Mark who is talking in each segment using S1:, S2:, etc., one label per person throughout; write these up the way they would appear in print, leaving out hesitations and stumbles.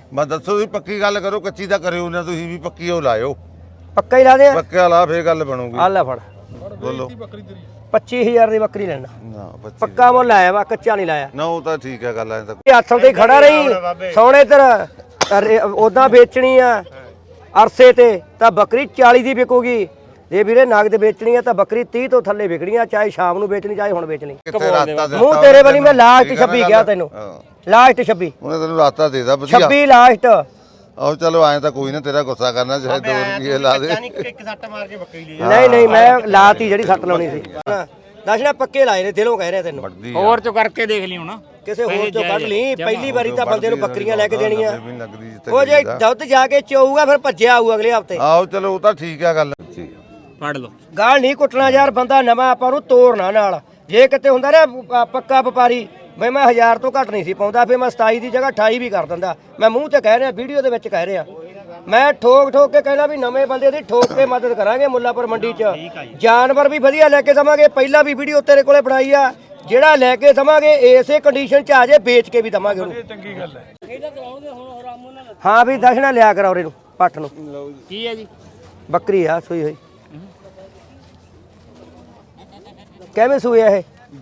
S1: ਮੈਂ ਦੱਸੋ ਤੁਸੀਂ ਪੱਕੀ ਗੱਲ ਕਰੋ, ਕੱਚੀ ਤਾਂ ਕਰਿਓ ਨਾ ਤੁਸੀਂ ਵੀ, ਪੱਕੀ ਉਹ ਲਾਇਓ।
S2: ਪੱਕਾ ਹੀ ਲਾ ਦੇ।
S1: ਪੱਕਾ ਲਾ ਫੇਰ ਗੱਲ ਬਣੂਗੀ।
S2: ਆ ਲੈ ਫੜ
S1: ਬੋਲੋ।
S2: 25000 ਦੀ ਬੱਕਰੀ ਲੈਣਾ।
S1: ਨਾ 25
S2: ਪੱਕਾ ਮੁੱਲ ਲਾਇਆ ਵਾ, ਕੱਚਾ ਨਹੀਂ ਲਾਇਆ
S1: ਨਾ, ਉਹ ਤਾਂ ਠੀਕ ਹੈ ਗੱਲ। ਐ ਤਾਂ
S2: ਹੱਥਾਂ ਤੇ ਖੜਾ ਰਹੀ ਸੋਹਣੇ ਤੇਰਾ ਉਦਾਂ ਵੇਚਣੀ ਆ ਅਰਸੇ ਤੇ ਤਾਂ ਬੱਕਰੀ 40 ਦੀ ਵਿਕੂਗੀ। ਜੇ ਵੀਰੇ ਨਗਦ ਵੇਚਣੀ ਆ ਤਾਂ ਬੱਕਰੀ 30 ਤੋਂ ਥੱਲੇ ਵਿਕਣੀ ਆ, ਚਾਹੇ ਸ਼ਾਮ ਨੂੰ ਵੇਚਣੀ ਚਾਹੇ ਹੁਣ ਵੇਚਣੀ।
S1: ਕਿੱਥੇ ਰਾਤਾ ਦੇ
S2: ਮੂੰਹ ਤੇਰੇ ਵਾਲੀ ਮੈਂ ਲਾਸਟ 26 ਗਿਆ ਤੈਨੂੰ, ਲਾਸਟ 26
S1: ਉਹਨੇ ਤੈਨੂੰ ਰਾਤਾ ਦੇਦਾ ਵਧੀਆ
S2: 26 ਲਾਸਟ।
S1: ਆਹੋ ਚਲੋ ਐਂ ਤਾਂ ਕੋਈ ਨਾ, ਤੇਰਾ ਗੁੱਸਾ ਕਰਨਾ ਚਾਹੇ 2 ਰੁਪਏ ਲਾ ਦੇ।
S3: ਇੱਕ ਸੱਟ ਮਾਰ ਕੇ ਬੱਕਰੀ ਲਈ
S2: ਨਹੀਂ ਨਹੀਂ ਮੈਂ ਲਾਤੀ ਜਿਹੜੀ ਸੱਟ ਲਾਉਣੀ ਸੀ। ਦੱਸਣਾ ਪੱਕੇ ਲਾਏ ਨੇ, ਦਿਲੋਂ ਕਹਿ ਰਿਹਾ ਤੈਨੂੰ।
S4: ਹੋਰ ਚੋਂ ਕਰਕੇ ਦੇਖ ਲਈ ਹੁਣ,
S2: ਕਿਸੇ ਹੋਰ ਚੋਂ ਕੱਢ ਲਈ। ਪਹਿਲੀ ਵਾਰੀ ਤਾਂ ਬੰਦੇ ਨੂੰ ਬੱਕਰੀਆਂ ਲੈ ਕੇ ਦੇਣੀਆਂ।
S1: ਲੱਗਦੀ
S2: ਉਹ ਜੇ ਦੁੱਧ ਜਾ ਕੇ ਚੋਊਗਾ ਫਿਰ ਭੱਜਿਆ ਆਊ ਅਗਲੇ ਹਫਤੇ।
S1: ਆਹੋ ਚਲੋ ਉਹ ਤਾਂ ਠੀਕ ਹੈ ਗੱਲ।
S4: ਫੜ ਲਓ।
S2: ਗਾਲ ਨਹੀਂ ਕੁੱਟਣਾ ਯਾਰ, ਬੰਦਾ ਨਵਾਂ ਆਪਾਂ ਨੂੰ ਤੋੜਨਾ ਨਾਲ। ਜੇ ਕਿਤੇ ਹੁੰਦਾ ਨਾ ਪੱਕਾ ਵਪਾਰੀ ਬਈ ਮੈਂ 1000 ਤੋਂ ਘੱਟ ਨਹੀਂ ਸੀ ਪਾਉਂਦਾ, ਫਿਰ ਮੈਂ 27 ਦੀ ਜਗ੍ਹਾ 28 ਵੀ ਕਰ ਦਿੰਦਾ। ਮੈਂ ਮੂੰਹ ਤੇ ਕਹਿ ਰਿਹਾ, ਵੀਡੀਓ ਦੇ ਵਿੱਚ ਕਹਿ ਰਿਹਾ। ਮੈਂ ਠੋਕ ਠੋਕ ਕੇ ਕਹਿਣਾ ਵੀ ਨਵੇਂ ਬੰਦੇ ਦੀ ਠੋਕ ਕੇ ਮਦਦ ਕਰਾਂਗੇ ਮੁੱਲਾਪੁਰ ਮੰਡੀ 'ਚ। ਜਾਨਵਰ ਵੀ ਵਧੀਆ ਲੈ ਕੇ ਦਵਾਂਗੇ। ਪਹਿਲਾਂ ਵੀ ਵੀਡੀਓ ਤੇਰੇ ਕੋਲੇ ਬਣਾਈ ਆ। ਜਿਹੜਾ ਲੈ ਕੇ ਦਵਾਂਗੇ ਇਸੇ ਕੰਡੀਸ਼ਨ 'ਚ ਆ ਜੇ, ਵੇਚ ਕੇ ਵੀ ਦਵਾਂਗੇ ਉਹਨੂੰ। ਚੰਗੀ ਗੱਲ ਹੈ। ਹਾਂ ਵੀ ਦਸ਼ਣਾ ਲਿਆ ਕਰਾ ਉਹਨੂੰ ਪੱਠ ਨੂੰ।
S4: ਕੀ ਹੈ ਜੀ?
S2: ਬੱਕਰੀ ਆ ਸੂਈ ਹੋਈ। ਕਿਵੇਂ ਸੂਈ ਆ ਇਹ?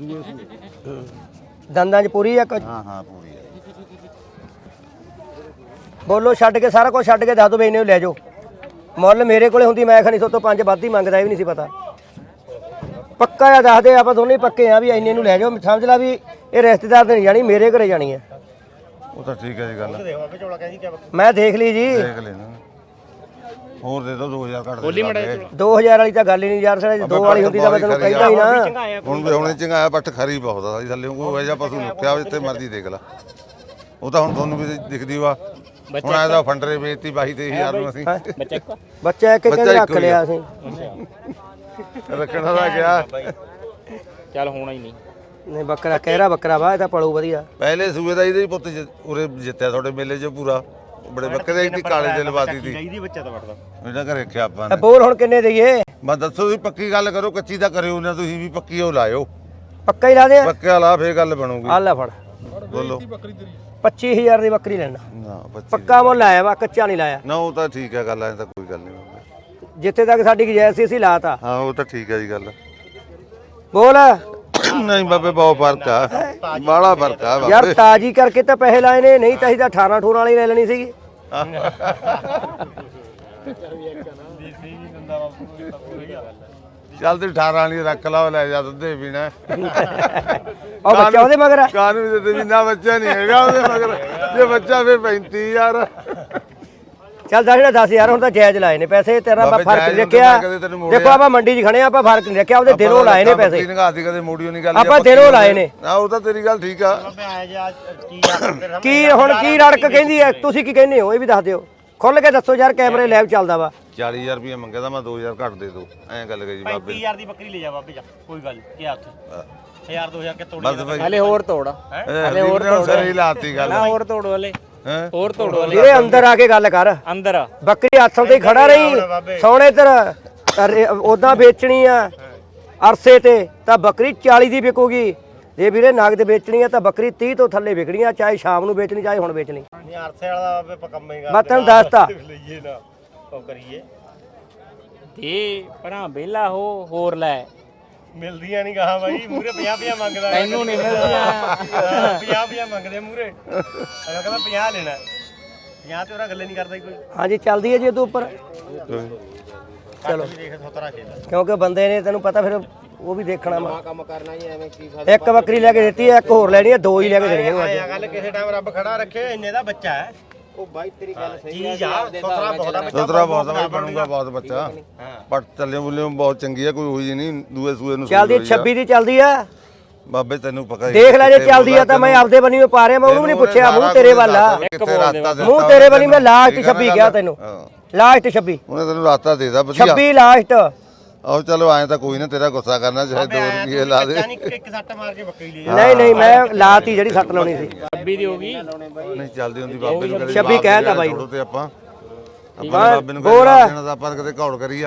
S2: ਦੰਦਾਂ 'ਚ ਪੂਰੀ ਆ?
S1: ਹਾਂ ਹਾਂ ਪੂਰੀ ਹੈ।
S2: ਬੋਲੋ ਛੱਡ ਕੇ, ਸਾਰਾ ਕੁਝ ਛੱਡ ਕੇ ਦੱਸ ਦੋ ਵੀ ਇਹਨੇ ਲੈ ਜਾਓ। ਮੁੱਲ ਮੇਰੇ ਕੋਲੇ ਹੁੰਦੀ ਮੈਂ ਖਣੀ ਤੋਂ 5 ਵੱਧ ਹੀ ਮੰਗਦਾ, ਇਹ ਵੀ ਨਹੀਂ ਸੀ ਪਤਾ। ਪੱਕਾ ਆ ਦੱਸ ਦੇ, ਆਪਾਂ ਦੋਨੇ ਪੱਕੇ ਆ ਵੀ ਇੰਨੇ ਨੂੰ ਲੈ ਜਾਓ। ਸਮਝ ਲਾ ਵੀ ਇਹ ਰਿਸ਼ਤੇਦਾਰ ਤੇ ਨਹੀਂ ਜਾਣੀ, ਮੇਰੇ ਘਰੇ ਜਾਣੀ ਹੈ।
S1: ਉਹ ਤਾਂ ਠੀਕ ਹੈ ਜੀ ਗੱਲ।
S2: ਮੈਂ ਦੇਖ ਲਈ ਜੀ।
S1: ਦੇਖ ਲੈਣਾ। ਹੋਰ ਦੇ ਦੋ 2000 ਘੱਟ ਦੇ।
S2: 2000 ਵਾਲੀ ਤਾਂ ਗੱਲ ਹੀ ਨਹੀਂ ਯਾਰ। ਸਾਡਾ 2 ਵਾਲੀ ਹੁੰਦੀ ਤਾਂ ਮੈਂ ਤੈਨੂੰ ਕਹਿੰਦਾ ਹੀ ਨਾ।
S1: ਹੁਣ ਚੰਗਾਇਆ ਪੱਟ ਖਰੀ ਬਹੁਤ ਆ ਜੀ ਥੱਲੇ, ਕੋਈ ਐਜਾ ਪਸ਼ੂ ਲੁੱਟਿਆ ਜਿੱਥੇ ਮਰਜ਼ੀ ਦੇਖ ਲੈ। ਉਹ ਤਾਂ ਹੁਣ ਤੁਹਾਨੂੰ ਵੀ ਦਿਖਦੀ ਵਾ। ਹੁਣ ਆਇਆ ਤਾਂ ਫੰਡਰੇ ਵੇਚਤੀ 22-23,000 ਨੂੰ ਅਸੀਂ।
S2: ਬੱਚਾ ਇੱਕ ਕਹਿੰਦੇ ਰੱਖ ਲਿਆ ਅਸੀਂ।
S1: ਰੱਖਣਾ ਦਾ ਗਿਆ।
S4: ਚੱਲ ਹੋਣਾ ਹੀ ਨਹੀਂ।
S2: ਨਹੀਂ ਬੱਕਰਾ ਕਹਿਰਾ ਬੱਕਰਾ ਵਾ, ਇਹ ਤਾਂ ਪਲੂ ਵਧੀਆ।
S1: ਪਹਿਲੇ ਸੂਏ ਦਾ ਇਹਦੇ ਪੁੱਤ ਉਰੇ ਜਿੱਤਿਆ ਤੁਹਾਡੇ ਮੇਲੇ 'ਚ ਪੂਰਾ। ਬੜੇ ਬੱਕਰੇ ਦੀ ਕਾਲੇ ਦੇ ਲਵਾਤੀ ਸੀ।
S3: ਚਾਹੀਦੀ ਬੱਚਾ ਤਾਂ ਵੜਦਾ
S1: ਇਹਦਾ ਘਰੇ ਰੱਖਿਆ ਆਪਾਂ ਨੇ।
S2: ਬੋਲ ਹੁਣ ਕਿੰਨੇ ਦਈਏ?
S1: ਮੈਂ ਦੱਸੋ ਤੁਸੀਂ ਪੱਕੀ ਗੱਲ ਕਰੋ, ਕੱਚੀ ਤਾਂ ਕਰਿਓ ਨਾ ਤੁਸੀਂ ਵੀ, ਪੱਕੀ ਉਹ ਲਾਇਓ।
S2: ਪੱਕਾ ਹੀ ਲਾ ਦੇ।
S1: ਪੱਕਾ ਲਾ ਫੇਰ ਗੱਲ ਬਣੂਗੀ।
S2: ਆ ਲੈ ਫੜ
S1: ਬੋਲੋ।
S2: 25000 ਦੀ ਬੱਕਰੀ ਲੈਣਾ।
S1: ਨਾ 25
S2: ਪੱਕਾ ਮੁੱਲ ਲਾਇਆ ਵਾ, ਕੱਚਾ ਨਹੀਂ ਲਾਇਆ।
S1: ਨਾ, ਉਹ ਤਾਂ ਠੀਕ ਹੈ ਗੱਲ। ਐ ਤਾਂ ਕੋਈ ਗੱਲ ਨਹੀਂ।
S2: ਜਿੱਥੇ ਤੱਕ ਸਾਡੀ ਗੁਜਾਇਸ਼ ਸੀ ਅਸੀਂ ਲਾਤਾ।
S1: ਹਾਂ ਉਹ ਤਾਂ ਠੀਕ ਹੈ ਜੀ ਗੱਲ।
S2: ਬੋਲ
S1: ਨਹੀਂ ਬਾਬੇ ਬਹੁਤ ਫਰਕ ਆ, ਬਾਹਲਾ ਫਰਕ ਆ
S2: ਯਾਰ।
S1: ਬਾਬੇ।
S2: ਤਾਜੀ ਕਰਕੇ ਤਾਂ ਪੈਸੇ ਲਾਏ ਨੇ, ਨਹੀਂ ਤਾਂ ਅਸੀਂ ਤਾਂ 18 ਵਾਲੀ ਲੈ ਲੈਣੀ ਸੀਗੀ।
S1: ਚੱਲ ਤੂੰ 18 ਵਾਲੀ ਰੱਖ ਲਾ, ਲੈ ਜਾ ਦੁੱਧ ਪੀਣਾ।
S2: ਉਹ ਬੱਚਾ ਉਹਦੇ ਮਗਰ ਆ।
S1: ਕਾਨੂੰਨ ਦੇ ਤੇ ਬਿਨਾ ਬੱਚਾ ਨਹੀਂ ਹੈਗਾ ਉਹਦੇ ਮਗਰ। ਜੇ ਬੱਚਾ ਫੇਰ 35,000।
S2: ਚੱਲ 10,000 ਹੁਣ ਤਾਂ ਜਾਇਜ਼ ਲਾਏ ਨੇ ਪੈਸੇ। ਤੇਰਾ ਆਪਾਂ
S1: ਬਾਬੇ
S2: ਫਰਕ ਨਹੀਂ
S1: ਜਾਇਜ਼
S2: ਰੱਖਿਆ।
S1: ਹੁੰਦੇ, ਮੈਂ ਕਦੇ ਤੈਨੂੰ ਮੋੜਿਆ।
S2: ਦੇਖੋ ਆਪਾਂ ਮੰਡੀ 'ਚ ਖੜੇ ਆ, ਆਪਾਂ ਫਰਕ ਨਹੀਂ ਰੱਖਿਆ। ਉਹਦੇ ਦਿਲੋਂ ਲਾਏ ਨੇ ਪੈਸੇ।
S1: ਨਿਗਾਹਤੀ ਕਦੇ ਮੋੜੀਓ ਨਹੀਂ ਗੱਲ।
S2: ਆਪਾਂ ਦਿਲੋਂ ਲਾਏ ਨੇ।
S1: ਆ ਉਹ ਤਾਂ ਤੇਰੀ ਗੱਲ ਠੀਕ ਆ।
S2: ਕੀ ਹੁਣ ਕੀ ਰੜਕ ਕਹਿੰਦੀ ਹੈ? ਤੁਸੀਂ ਕੀ ਕਹਿੰਦੇ ਹੋ ਇਹ ਵੀ ਦੱਸ ਦਿਓ। ਖੁੱਲ ਕੇ ਦੱਸੋ ਯਾਰ, ਕੈਮਰੇ ਲਾਈਵ ਚੱਲਦਾ ਵਾ।
S1: 40,000 ਰੁਪਏ ਮੰਗਿਆ ਤਾਂ ਮੈਂ 2,000 ਘੱਟ ਦੇ ਦੋ। ਐਂ ਗੱਲ ਕਹੀ ਬਾਬੇ।
S3: 35000 ਦੀ ਬੱਕਰੀ ਲੈ ਜਾ ਬਾਬੇ ਜਾ, ਕੋਈ ਗੱਲ ਕੀ ਹੱਥ 1000-2000 ਕੇ ਤੋੜੀ।
S1: ਬਸ ਭਾਈ
S4: ਹਲੇ ਹੋਰ ਤੋੜ।
S1: ਹਲੇ ਹੋਰ ਸਰੀ ਲਾਤੀ ਗੱਲ।
S4: ਹੋਰ ਤੋੜ ਵਾਲੇ, ਹੋਰ ਤੋੜ ਵਾਲੇ।
S2: ਵੀਰੇ ਅੰਦਰ ਆ ਕੇ ਗੱਲ ਕਰ।
S4: ਅੰਦਰ
S2: ਬੱਕਰੀ ਹੱਥਾਂ ਤੇ ਖੜਾ ਰਹੀ ਸੋਹਣੇ ਤੇਰਾ ਉਦਾਂ ਵੇਚਣੀ ਆ ਅਰਸੇ ਤੇ ਤਾਂ ਬੱਕਰੀ 40 ਦੀ ਵਿਕੂਗੀ। ਜੇ ਵੀਰੇ ਨਗਦ ਵੇਚਣੀ ਆ ਤਾਂ ਬੱਕਰੀ 30 ਤੋਂ ਥੱਲੇ ਵਿਕਣੀ ਆ, ਚਾਹੇ ਸ਼ਾਮ ਨੂੰ ਵੇਚਣੀ ਚਾਹੇ ਹੁਣ ਵੇਚਣੀ।
S3: ਨਹੀਂ ਅਰਸੇ ਵਾਲਾ ਬਾਬੇ ਪਕੰਮੇਗਾ।
S2: ਮੈਂ ਤੈਨੂੰ ਦੱਸਤਾ।
S3: ਲਈਏ ਨਾ ਉਹ ਕਰੀਏ।
S4: ਤੇ ਭਰਾ ਬੇਲਾ ਹੋਰ ਲੈ।
S3: ਮਿਲਦੀਆਂ ਨਹੀਂ ਗਾਹਾਂ ਬਾਈ, ਮੂਰੇ 50-50 ਮੰਗਦਾ।
S4: ਤੈਨੂੰ ਨਹੀਂ ਮਿਲਦੀਆਂ।
S3: 50-50 ਮੰਗਦੇ ਮੂਰੇ। ਅਗਲਾ ਕਹਿੰਦਾ 50 ਲੈਣਾ। 50 ਤੇ ਉਹਦਾ ਗੱਲੇ ਨਹੀਂ ਕਰਦਾ ਕੋਈ।
S2: ਹਾਂਜੀ ਚੱਲਦੀ ਹੈ ਜੀ ਉਹਦੇ ਉੱਪਰ।
S3: ਚਲੋ ਦੇਖ ਸੋਤਰਾ ਖੇਡ।
S2: ਕਿਉਂਕਿ ਬੰਦੇ ਨੇ ਤੈਨੂੰ ਪਤਾ ਫਿਰ ਉਹ ਵੀ ਦੇਖਣਾ ਵਾ।
S3: ਕੰਮ ਕਰਨਾ ਹੀ ਐਵੇਂ ਕੀ
S2: ਇੱਕ ਬੱਕਰੀ ਲੈ ਕੇ ਦਿੱਤੀ ਹੈ, ਇੱਕ ਹੋਰ ਲੈਣੀ ਹੈ, 2 ਹੀ ਲੈ ਕੇ ਦੇਣੀਆਂ ਨੂੰ ਅੱਜ।
S3: ਗੱਲ ਕਿਸੇ ਟਾਈਮ ਰੱਬ ਖੜਾ ਰੱਖੇ, ਇੰਨੇ ਦਾ ਬੱਚਾ ਹੈ। ਉਹ ਬਾਈ ਤੇਰੀ ਗੱਲ ਸਹੀ ਹੈ। ਸੋਤਰਾ ਬਹੁਤ ਬੱਚਾ।
S1: ਸੋਤਰਾ ਬਹੁਤ ਬਾਈ ਬਣੂਗਾ ਬਹੁਤ ਬੱਚਾ। ਪਰ ਚੱਲੇ ਬੁੱਲੇ ਬਹੁਤ ਚੰਗੀ ਆ, ਕੋਈ ਹੋਈ ਨਹੀਂ। ਦੂਏ ਸੂਏ ਨੂੰ
S2: ਚੱਲਦੀ 26 ਦੀ ਚੱਲਦੀ ਆ
S1: ਬਾਬੇ, ਤੈਨੂੰ ਪਤਾ ਹੀ।
S2: ਦੇਖ ਲੈ ਜੇ ਚੱਲਦੀ ਆ ਤਾਂ ਮੈਂ ਆਪਦੇ ਬਣੀ ਪਾ ਰਿਹਾ। ਮੈਂ ਉਹਨੂੰ ਵੀ ਨਹੀਂ ਪੁੱਛਿਆ, ਮੂੰਹ ਤੇਰੇ ਵੱਲ ਆ। ਮੂੰਹ ਤੇਰੇ ਵੱਲ ਮੈਂ ਲਾਸਟ 26 ਗਿਆ ਤੈਨੂੰ। ਲਾਸਟ 26
S1: ਉਹਨੇ ਤੈਨੂੰ ਰਾਤਾ ਦੇਦਾ ਵਧੀਆ।
S2: 26 ਲਾਸਟ।
S1: ਆਹੋ ਚਲੋ ਐਂ ਤਾਂ ਕੋਈ ਨਾ, ਤੇਰਾ ਗੁੱਸਾ ਕਰਨਾ ਚਾਹੇ 2 ਰੁਪਏ ਲਾ ਦੇ।
S3: ਇੱਕ ਸੱਟ ਮਾਰ ਕੇ ਬੱਕਰੀ ਲਈ।
S2: ਨਹੀਂ ਮੈਂ ਲਾਤੀ ਜਿਹੜੀ ਸੱਟ ਲਾਉਣੀ ਸੀ।
S4: 26 ਦੀ ਹੋ ਗਈ।
S1: ਨਹੀਂ ਚੱਲਦੀ ਹੁੰਦੀ ਬਾਬੇ ਨੂੰ ਕਦੇ।
S2: 26 ਕਹਿਤਾ ਬਾਈ
S1: ਤੇ ਆਪਾਂ ਬਾਬੇ ਨੂੰ ਕਦੇ ਦੇਣਾ ਤਾਂ ਆਪਾਂ ਕਦੇ ਘੌੜ ਕਰੀ ਆ।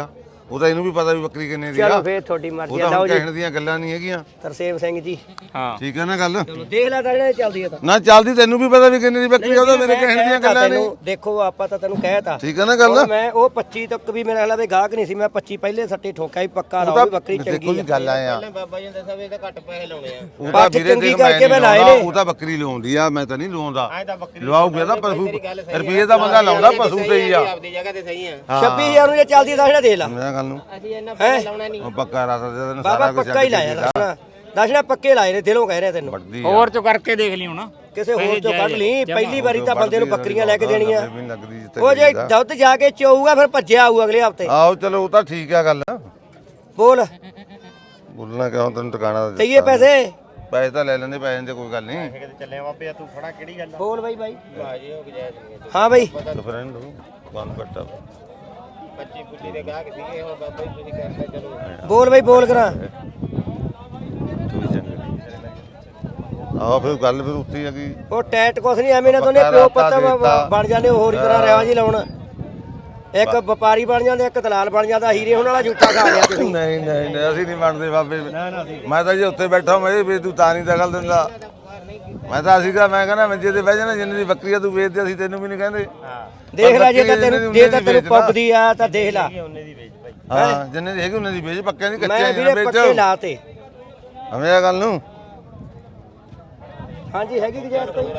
S1: ਉਹ ਤਾਂ ਇਹਨੂੰ ਵੀ ਪਤਾ ਵੀ ਬੱਕਰੀ ਕਿੰਨੇ ਦੀ ਆ।
S2: ਚਲੋ ਫੇਰ ਤੁਹਾਡੀ
S1: ਉਹ
S2: ਮਰਜ਼ੀ
S1: ਤਾਂ
S2: ਆ। ਲਓ
S1: ਹੁਣ
S2: ਜੀ
S1: ਕਹਿਣ ਦੀਆਂ ਗੱਲਾਂ ਨਹੀਂ ਹੈਗੀਆਂ।
S2: ਤਰਸੇਮ ਸਿੰਘ ਜੀ
S4: ਹਾਂ
S1: ਠੀਕ ਹੈ ਨਾ ਗੱਲ।
S2: ਚਲੋ ਦੇਖ ਲੈ ਤਾਂ ਜਿਹੜਾ ਚੱਲਦੀ ਆ ਤਾਂ
S1: ਨਾ ਚੱਲਦੀ ਤੈਨੂੰ ਵੀ ਪਤਾ ਵੀ ਕਿੰਨੇ ਦੀ ਬੱਕਰੀ ਆ, ਉਹਦਾ ਮੇਰੇ ਕਹਿਣ ਦੀਆਂ ਗੱਲਾਂ ਨਹੀਂ।
S2: ਤੈਨੂੰ ਦੇਖੋ ਆਪਾਂ ਤਾਂ ਤੈਨੂੰ ਕਹਿਤਾ
S1: ਠੀਕ ਹੈ ਨਾ ਗੱਲ।
S2: ਹੁਣ ਮੈਂ ਉਹ 25 ਤੱਕ ਵੀ ਮੇਰੇ ਖਿਆਲ ਗਾਹਕ ਨਹੀਂ ਸੀ, ਮੈਂ 25 ਪਹਿਲੇ ਸੱਟੇ ਠੋਕਿਆ ਵੀ ਪੱਕਾ ਲਾਓ ਵੀ ਬੱਕਰੀ
S1: ਦੇਖੋ
S2: ਚੰਗੀ
S1: ਜੀ
S2: ਆ।
S1: ਗੱਲ ਆਏ ਆ,
S3: ਬਾਬਾ ਜੀ ਨੇ ਦੱਸਿਆ ਵੀ ਇਹਦਾ ਘੱਟ ਪੈਸੇ ਲਾਉਣੇ ਆ।
S1: ਉਹ ਤਾਂ
S2: ਬਾਅਦ ਚ
S1: ਵੀਰੇ
S2: ਚੰਗੀ
S1: ਦੇਖ
S2: ਕਰਕੇ ਮੈਂ ਲਾਏ
S1: ਲਾਉਂਦਾ,
S2: ਨੇ।
S1: ਉਹ ਤਾਂ ਬੱਕਰੀ ਲਾਉਂਦੀ ਆ, ਮੈਂ ਤਾਂ ਨਹੀਂ ਲਾਉਂਦਾ।
S3: ਐ ਤਾਂ ਬੱਕਰੀ
S1: ਲਵਾਉਗੇ ਤਾਂ ਪਸ਼ੂ ਰੁਪਏ ਦਾ ਬੰਦਾ ਲਾਉਂਦਾ ਪਸ਼ੂ ਤੇ ਹੀ ਆ।
S3: ਆਪਦੀ ਜਗ੍ਹਾ ਤੇ ਸਹੀ ਆ।
S2: 26000 ਨੂੰ ਜੇ ਚੱਲਦੀ ਤਾਂ ਨਾ ਦੇ ਲਾ
S1: ਮੇਰਾ ਗੱਲ ਨੂੰ
S3: ਅਸੀਂ ਇਹਨਾਂ ਪੈਸੇ ਲਾਉਣਾ ਨਹੀਂ।
S1: ਉਹ ਪੱਕਾ ਰਾਤ ਦੇ ਦਿਨ
S2: ਬਾਬਾ
S1: ਸਾਰਾ ਕੁਝ
S2: ਪੱਕਾ ਹੀ ਲਾਇਆ ਦਸ਼ਨਾ ਪੱਕੇ ਲਾਏ ਨੇ, ਦਿਲੋਂ ਕਹਿ ਰਿਹਾ ਤੈਨੂੰ।
S1: ਵੱਡੀ
S4: ਹੋਰ ਚੋਂ ਕਰਕੇ ਦੇਖ ਲਈ ਹੁਣ।
S2: ਕਿਸੇ ਹੋਰ ਚੋਂ ਕੱਢ ਲਈ, ਪਹਿਲੀ ਵਾਰੀ ਤਾਂ ਬੰਦੇ ਨੂੰ ਬੱਕਰੀਆਂ ਲੈ ਕੇ ਦੇਣੀਆਂ।
S1: ਵੀ ਲੱਗਦੀ ਜਿੱਥੇ
S2: ਉਹ ਜੇ ਦੁੱਧ ਜਾ ਕੇ ਚੋਊਗਾ ਫਿਰ ਭੱਜਿਆ ਆਊ ਅਗਲੇ ਹਫਤੇ।
S1: ਆਓ ਚਲੋ ਉਹ ਤਾਂ ਠੀਕ ਆ ਗੱਲ।
S2: ਬੋਲ
S1: ਬੋਲਣਾ ਕਿਉਂ, ਤੈਨੂੰ ਟਿਕਾਣਾ
S2: ਦਈਏ ਪੈਸੇ
S1: ਪੈਸੇ ਤਾਂ ਲੈ ਲੈਂਦੇ, ਪੈਸੇ ਦੀ ਕੋਈ ਗੱਲ ਨਹੀਂ।
S3: ਕਿਤੇ ਚੱਲੇ ਬਾਬੇ ਆ, ਤੂੰ ਖੜਾ ਕਿਹੜੀ ਗੱਲ ਆ?
S2: ਬੋਲ ਬਾਈ ਬਾਈ।
S3: ਬਾਜੀ ਹੋ ਗਿਆ ਜੀ।
S2: ਹਾਂ ਬਾਈ
S1: ਫਰੈਂਡ ਬੰਦ ਕੱਟਾ
S3: 25 ਪੁੱਲੀ ਦੇ ਗਾਹਕ ਸੀਗੇ, ਹੁਣ ਬਾਬਾ ਜੀ ਤੁਸੀਂ ਕਰਦੇ ਚਲੋ।
S2: ਬੋਲ ਬਾਈ ਬੋਲ ਕਰਾਂ।
S1: ਤੂੰ ਵੀ ਚੰਗਾ ਆਹ ਫਿਰ ਗੱਲ ਫਿਰ ਉੱਤੇ ਆ ਗਈ।
S2: ਉਹ ਟੈਟ ਕੁਛ ਨਹੀਂ ਐਵੇਂ ਨਾ ਦੋਨੇ ਪਿਓ ਪੱਤਾ ਬਣ ਜਾਂਦੇ ਹੋਰ ਹੀ ਤਰ੍ਹਾਂ ਰਿਵਾਜ ਹੀ ਲਾਉਣ। ਇੱਕ ਵਪਾਰੀ ਬਣ ਜਾਂਦੇ, ਇੱਕ ਦਲਾਲ ਬਣ ਜਾਂਦਾ। ਹੀਰੇ ਹੁਣ ਵਾਲਾ ਝੂਠਾ ਖਾ ਲਿਆ ਤੁਸੀਂ।
S1: ਨਹੀਂ ਨਹੀਂ ਨਹੀਂ, ਅਸੀਂ ਨਹੀਂ ਬਣਦੇ ਬਾਬੇ। ਮੈਂ ਤਾਂ ਜੇ ਉੱਤੇ ਬੈਠਾ ਮੈਂ ਵੀ ਤੂੰ ਤਾਂ ਨਹੀਂ ਦਖਲ ਦਿੰਦਾ। ਮੈਂ ਤਾਂ ਅਸੀਂ ਮੈਂ ਕਹਿੰਦਾ ਮੰਜੇ ਤੇ ਬਹਿ ਜਾਣਾ, ਜਿੰਨੇ ਦੀ ਬੱਕਰੀ ਆ ਤੂੰ ਵੇਚਦੇ, ਅਸੀਂ ਤੈਨੂੰ ਵੀ ਨਹੀਂ ਕਹਿੰਦੇ।
S2: ਦੇਖ ਲੈ ਜੇ ਤਾਂ ਤੈਨੂੰ ਪੁੱਗਦੀ ਆ ਤਾਂ ਦੇਖ ਲੈ।
S3: ਉਹਨੇ ਦੀ ਵੇਚ ਭਾਈ।
S1: ਹਾਂ ਜਿੰਨੇ ਦੀ ਹੈਗੀ ਉਹਨੇ ਦੀ ਵੇਚ, ਪੱਕਿਆਂ ਦੀ
S2: ਮੈਂ
S1: ਕੱਚਿਆਂ ਦੀ ਨਾ
S2: ਵੀਰੇ
S1: ਵੇਚ।
S2: ਪੱਕੇ ਲਾਤੇ।
S1: ਹਮੇ ਇਹ ਗੱਲ ਨੂੰ
S2: ਹਾਂਜੀ ਹੈਗੀ ਗੁਜਾਇਸ਼ ਕੋਈ?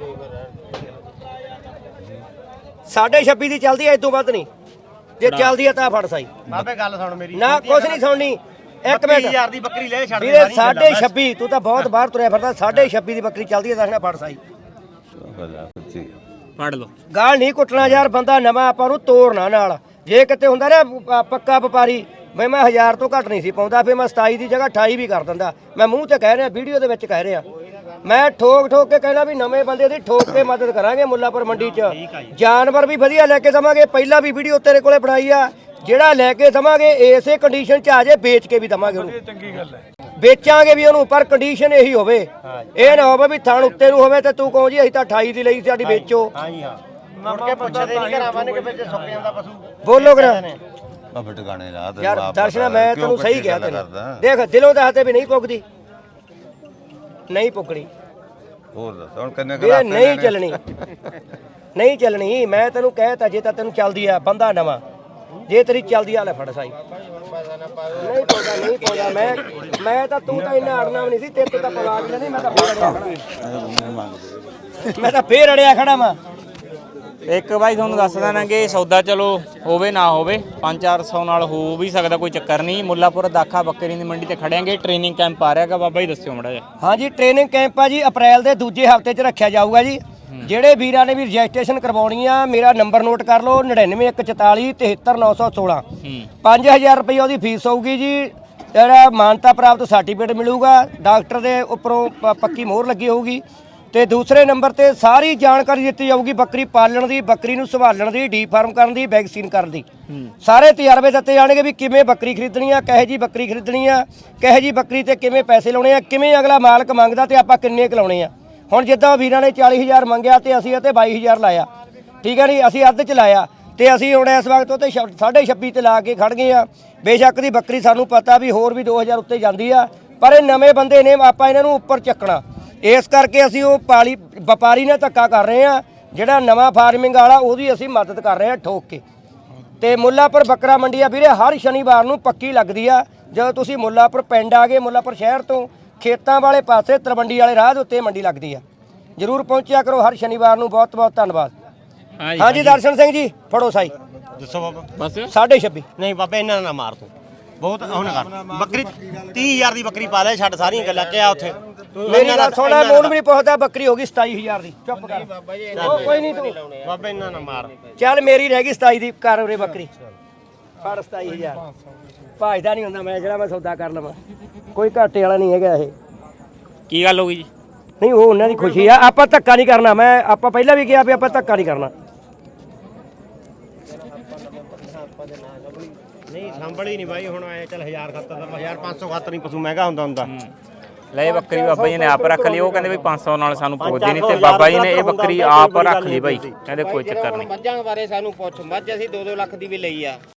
S2: 26.5 ਦੀ ਚੱਲਦੀ ਐ, ਇਦੋਂ ਵੱਧ ਨਹੀਂ। ਜੇ ਚੱਲਦੀ ਆ ਤਾਂ ਫੜ ਸਾਈ।
S3: ਬਾਬੇ ਗੱਲ ਸੁਣ ਮੇਰੀ।
S2: ਨਾ ਕੁਛ ਨਹੀਂ ਸੁਣਨੀ। ਇੱਕ ਮਿੰਟ
S3: 20000 ਦੀ ਬੱਕਰੀ ਲੈ ਛੱਡ ਦੇ।
S2: ਵੀਰੇ 26.5 ਤੂੰ ਤਾਂ ਬਹੁਤ ਬਾਹਰ ਤੁਰਿਆ ਫਿਰਦਾ। 26.5 ਦੀ ਬੱਕਰੀ ਚੱਲਦੀ ਐ, ਦੱਸਣਾ ਫੜ ਸਾਈ।
S4: ਫੜ ਲਓ।
S2: ਗਾਲ ਨਹੀਂ ਕੁੱਟਣਾ ਯਾਰ, ਬੰਦਾ ਨਵਾਂ ਆਪਾਂ ਨੂੰ ਤੋੜਨਾ ਨਾਲ। ਜੇ ਕਿਤੇ ਹੁੰਦਾ ਨਾ ਪੱਕਾ ਵਪਾਰੀ ਬਈ ਮੈਂ 1000 ਤੋਂ ਘੱਟ ਨਹੀਂ ਸੀ ਪਾਉਂਦਾ, ਫਿਰ ਮੈਂ 27 ਦੀ ਜਗ੍ਹਾ 28 ਵੀ ਕਰ ਦਿੰਦਾ। ਮੈਂ ਮੂੰਹ ਤੇ ਕਹਿ ਰਿਹਾ, ਵੀਡੀਓ ਦੇ ਵਿੱਚ ਕਹਿ ਰਿਹਾ। ਮੈਂ ਠੋਕ ਕੇ ਕਹਿਣਾ ਵੀ ਨਵੇਂ ਬੰਦੇ ਦੀ ਠੋਕ ਕੇ ਮਦਦ ਕਰਾਂਗੇ ਮੁੱਲਾਪੁਰ ਮੰਡੀ 'ਚ। ਜਾਨਵਰ ਵੀ ਵਧੀਆ ਲੈ ਕੇ ਦਵਾਂਗੇ। ਪਹਿਲਾਂ ਵੀ ਵੀਡੀਓ ਤੇਰੇ ਕੋਲੇ ਬਣਾਈ ਆ। ਜਿਹੜਾ ਲੈ ਕੇ ਦਵਾਂਗੇ ਇਸੇ ਕੰਡੀਸ਼ਨ 'ਚ ਆ ਜੇ, ਵੇਚ ਕੇ ਵੀ ਦਵਾਂਗੇ ਉਹਨੂੰ। ਚੰਗੀ ਗੱਲ ਹੈ, ਵੇਚਾਂਗੇ ਵੀ ਉਹਨੂੰ, ਪਰ ਕੰਡੀਸ਼ਨ ਇਹੀ ਹੋਵੇ। ਇਹ ਨਾ ਹੋਵੇ ਵੀ ਥਣ ਉੱਤੇ ਨੂੰ ਹੋਵੇ ਤੇ ਤੂੰ ਕਹੋ ਜੀ ਅਸੀਂ ਤਾਂ 28 ਦੀ ਲਈ, ਸਾਡੀ ਵੇਚੋ।
S3: ਹਾਂਜੀ ਹਾਂ। ਮੁੜ ਕੇ ਪੁੱਛਦੇ ਨਹੀਂ ਕਰਾਵਾਂਗੇ ਕਿ ਵਿੱਚ ਸੁੱਕ ਜਾਂਦਾ ਪਸ਼ੂ।
S2: ਬੋਲੋ ਕਰਾ
S1: ਬਾਬੇ ਟਿਕਾਣੇ ਲਾ ਤੇ
S2: ਯਾਰ ਦਰਸ਼ਨਾ, ਮੈਂ ਤੈਨੂੰ ਸਹੀ ਕਿਹਾ ਤੈਨੂੰ। ਦੇਖ ਦਿਲੋਂ ਦੱਸਦੇ ਵੀ ਨਹੀਂ ਪੁੱਗਦੀ, ਨਹੀਂ ਪੁੱਗਣੀ
S1: ਹੋਰ ਦੱਸ ਹੁਣ ਕਿੰਨੇ
S2: ਵੀਰੇ, ਨਹੀਂ ਚੱਲਣੀ ਨਹੀਂ ਚੱਲਣੀ। ਮੈਂ ਤੈਨੂੰ ਕਹਿਤਾ ਜੇ ਤਾਂ ਤੈਨੂੰ ਚੱਲਦੀ ਆ ਬੰਦਾ ਨਵਾਂ, ਜੇ ਤੇਰੀ ਚੱਲਦੀ ਆ ਲੈ ਫੜ ਸਾਈ। ਨਹੀਂ ਪਾਉਂਦਾ ਨਹੀਂ ਪਾਉਂਦਾ। ਮੈਂ ਤਾਂ ਤੂੰ ਤਾਂ ਇੰਨਾ ਅੜਨਾ ਵੀ ਨਹੀਂ ਸੀ, ਤੇਰੇ ਤੋਂ ਤਾਂ ਪਲਾ ਨਹੀਂ। ਮੈਂ ਤਾਂ ਫੇਰ ਅੜਿਆ ਖੜਾ। ਮੈਂ ਤਾਂ ਫੇਰ ਅੜਿਆ ਖੜਾ ਵਾਂ।
S4: ਇੱਕ ਬਾਈ ਤੁਹਾਨੂੰ ਦੱਸ ਦੇਣਾ ਕਿ ਸੌਦਾ ਚਲੋ ਹੋਵੇ ਨਾ ਹੋਵੇ 5-400 ਨਾਲ ਹੋ ਵੀ ਸਕਦਾ, ਕੋਈ ਚੱਕਰ ਨਹੀਂ। ਮੁੱਲਾਪੁਰ ਦਾਖਾ ਬੱਕਰੀ ਦੀ ਮੰਡੀ ਤੇ ਖੜਿਆਂਗੇ। ਟ੍ਰੇਨਿੰਗ ਕੈਂਪ ਆ ਰਿਹਾਗਾ, ਬਾਬਾ ਜੀ ਦੱਸਿਓ ਮੜਾ ਜਿਹਾ।
S2: ਹਾਂਜੀ ਟ੍ਰੇਨਿੰਗ ਕੈਂਪ ਆ ਜੀ, ਅਪ੍ਰੈਲ ਦੇ ਦੂਜੇ ਹਫਤੇ 'ਚ ਰੱਖਿਆ ਜਾਊਗਾ ਜੀ। ਜਿਹੜੇ ਵੀਰਾਂ ਨੇ ਵੀ ਰਜਿਸਟ੍ਰੇਸ਼ਨ ਕਰਵਾਉਣੀ ਆ, ਮੇਰਾ ਨੰਬਰ ਨੋਟ ਕਰ ਲਓ 9914 73916। 5000 ਰੁਪਏ ਉਹਦੀ ਫੀਸ ਹੋਊਗੀ ਜੀ। ਜਿਹੜਾ ਮਾਨਤਾ ਪ੍ਰਾਪਤ ਸਰਟੀਫਿਕੇਟ ਮਿਲੂਗਾ, ਡਾਕਟਰ ਦੇ ਉੱਪਰੋਂ ਪੱਕੀ ਮੋਹਰ ਲੱਗੀ ਹੋਊਗੀ। ਤੇ ਦੂਸਰੇ ਨੰਬਰ ਤੇ ਸਾਰੀ ਜਾਣਕਾਰੀ ਦਿੱਤੀ ਜਾਊਗੀ ਬੱਕਰੀ ਪਾਲਣ ਦੀ, ਬੱਕਰੀ ਨੂੰ ਸੰਭਾਲਣ ਦੀ, ਡੀ ਫਾਰਮ ਕਰਨ ਦੀ, ਵੈਕਸੀਨ ਕਰਨ ਦੀ। ਸਾਰੇ ਤਜਰਬੇ ਦਿੱਤੇ ਜਾਣਗੇ ਵੀ ਕਿਵੇਂ ਬੱਕਰੀ ਖਰੀਦਣੀ ਆ, ਕਹੇ ਜੀ ਬੱਕਰੀ ਖਰੀਦਣੀ ਆ, ਕਹੇ ਜੀ ਬੱਕਰੀ ਤੇ ਕਿਵੇਂ ਪੈਸੇ ਲਾਉਣੇ ਆ, ਕਿਵੇਂ ਅਗਲਾ ਮਾਲਕ ਮੰਗਦਾ ਤੇ ਆਪਾਂ ਕਿੰਨੇ ਕੁ ਲਾਉਣੇ ਆ। ਹੁਣ ਜਿੱਦਾਂ ਵੀਰਾਂ ਨੇ 40000 ਮੰਗਿਆ ਤੇ ਅਸੀਂ ਅਤੇ 22000 ਲਾਇਆ, ਠੀਕ ਹੈ ਨਹੀਂ, ਅਸੀਂ ਅੱਧ ਚ ਲਾਇਆ ਤੇ ਅਸੀਂ ਹੁਣ ਇਸ ਵਕਤ ਤੇ 26.5 ਤੇ ਲਾ ਕੇ ਖੜ ਗਏ ਆ। ਬੇਸ਼ੱਕ ਦੀ ਬੱਕਰੀ ਸਾਨੂੰ ਪਤਾ ਵੀ ਹੋਰ ਵੀ 2000 ਉੱਤੇ ਜਾਂਦੀ ਆ, ਪਰ ਇਹ ਨਵੇਂ ਬੰਦੇ ਨੇ, ਆਪਾਂ ਇਹਨਾਂ ਨੂੰ ਉੱਪਰ ਚੱਕਣਾ। ਇਸ ਕਰਕੇ ਅਸੀਂ ਉਹ ਵਪਾਰੀ ਨੇ ਧੱਕਾ ਕਰ ਰਹੇ ਆ। ਜਿਹੜਾ ਨਵਾਂ ਫਾਰਮਿੰਗ ਵਾਲਾ ਉਹਦੀ ਅਸੀਂ ਮਦਦ ਕਰ ਰਹੇ ਆ ਠੋਕ ਕੇ। ਤੇ ਮੁੱਲਾਪੁਰ ਬੱਕਰਾ ਮੰਡੀ ਆ ਵੀਰੇ, ਹਰ ਸ਼ਨੀਵਾਰ ਨੂੰ ਪੱਕੀ ਲੱਗਦੀ ਆ। ਜਦੋਂ ਤੁਸੀਂ ਮੁੱਲਾਪੁਰ ਪਿੰਡ ਆ ਗਏ, ਮੁੱਲਾਪੁਰ ਸ਼ਹਿਰ ਤੋਂ ਖੇਤਾਂ ਵਾਲੇ ਪਾਸੇ ਤਲਵੰਡੀ ਵਾਲੇ ਰਾਹ ਦੇ ਉੱਤੇ ਮੰਡੀ ਲੱਗਦੀ ਆ। ਜਰੂਰ ਪਹੁੰਚਿਆ ਕਰੋ ਹਰ ਸ਼ਨੀਵਾਰ ਨੂੰ। ਬਹੁਤ ਬਹੁਤ ਧੰਨਵਾਦ। ਹਾਂਜੀ ਦਰਸ਼ਨ ਸਿੰਘ ਜੀ ਫੜੋ ਸਾਈ।
S3: ਦੱਸੋ ਬਾਬਾ।
S4: ਬਸ
S2: 26.5
S3: ਨਹੀਂ ਬਾਬੇ ਇਹਨਾਂ ਨਾ ਮਾਰ ਤੂੰ, ਬਹੁਤ ਹੁਣ ਕਰ। ਬੱਕਰੀ 30000 ਦੀ ਬੱਕਰੀ ਪਾ ਲੈ, ਛੱਡ ਸਾਰੀਆਂ ਗੱਲਾਂ ਕਿਹਾ ਉੱਥੇ।
S2: ਮੇਰੀ ਗੱਲ ਸੁਣਾ, ਮੂੰਹ ਵੀ ਨਹੀਂ ਪੁੱਛਦਾ, ਬੱਕਰੀ ਹੋ ਗਈ 27000 ਦੀ। ਚੁੱਪ ਕਰ ਕੋਈ ਨਹੀਂ ਤੂੰ
S3: ਬਾਬੇ ਇਹਨਾਂ ਨਾ ਮਾਰ।
S2: ਚੱਲ ਮੇਰੀ ਰਹਿ ਗਈ 27 ਦੀ, ਕਰ ਉਰੇ ਬੱਕਰੀ ਫੜ 27000। ਭਾਜਦਾ ਨਹੀਂ ਹੁੰਦਾ ਮੈਂ, ਜਿਹੜਾ ਮੈਂ ਸੌਦਾ ਕਰ ਲਵਾਂ, ਕੋਈ ਘਾਟੇ ਵਾਲਾ ਨਹੀਂ ਹੈਗਾ ਇਹ।
S4: ਕੀ ਗੱਲ ਹੋ ਗਈ ਜੀ?
S2: ਨਹੀਂ ਉਹ ਉਹਨਾਂ ਦੀ ਖੁਸ਼ੀ ਆ, ਆਪਾਂ ਧੱਕਾ ਨਹੀਂ ਕਰਨਾ। ਆਪਾਂ ਪਹਿਲਾਂ ਵੀ ਕਿਹਾ ਵੀ ਆਪਾਂ ਧੱਕਾ ਨਹੀਂ ਕਰਨਾ।
S3: ਨਹੀਂ ਸੰਭਲੀ ਨਹੀਂ ਬਾਈ, ਹੁਣ ਆਏ ਚੱਲ 1000 ਖਾਤਰ ਦਾ 1500 ਖਾਤਰ ਨਹੀਂ ਪਸ਼ੂ ਮਹਿੰਗਾ ਹੁੰਦਾ।
S4: ਲੈ ਬੱਕਰੀ ਬਾਬਾ ਜੀ ਨੇ ਆਪ ਰੱਖ ਲਈ। ਉਹ ਕਹਿੰਦੇ ਵੀ 500 ਨਾਲ ਸਾਨੂੰ ਪੁੱਛਦੇ ਨਹੀਂ, ਤੇ ਬਾਬਾ ਜੀ ਨੇ ਇਹ ਬੱਕਰੀ ਆਪ ਰੱਖ ਲਈ ਬਾਈ। ਕਹਿੰਦੇ ਕੋਈ ਚੱਕਰ ਨਹੀਂ।
S5: ਮੱਝਾਂ ਬਾਰੇ ਸਾਨੂੰ ਪੁੱਛ, ਮੱਝ ਅਸੀਂ 2-2 ਲੱਖ ਦੀ ਵੀ ਲਈ ਆ।